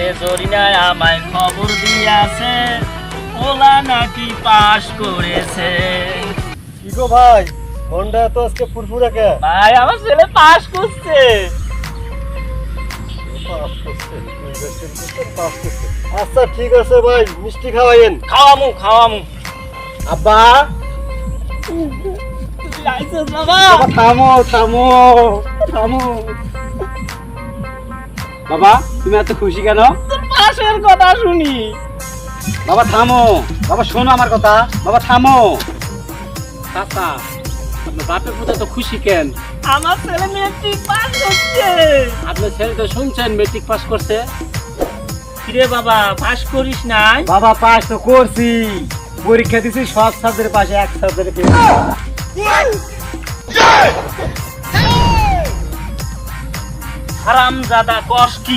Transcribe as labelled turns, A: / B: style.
A: জরিনায় আমায় খবর দিয়াছে ওলা নাকি পাস করেছে।
B: কি গো ভাই, মনটা তো আজকে ফুরফুরে কে?
A: ভাই আমার ছেলে পাস করছে।
B: আচ্ছা ঠিক আছে ভাই, মিষ্টি খাওয়াইন।
A: খাওয়ামু
B: আব্বা
A: বাবা।
B: থামো থামো থামো। বাবা তুমি এত খুশি কেন?
A: তোর পাশের কথা শুনি।
B: বাবা থামো, বাবা শোনো আমার কথা, বাবা থামো।
C: চাচা আপনার বাপের পুজো তো খুশি কেন?
A: আমার ছেলে মেট্রিক পাস করছে।
C: আপনার ছেলে তো শুনছেন মেট্রিক পাস করছে।
A: কিরে বাবা পাস করিস নাই?
B: বাবা পাস তো করছি, পরীক্ষা দিছি সব সাবজেক্টের পাশে এক সাবজেক্টে ফেল।
A: হারামজাদা কস কি?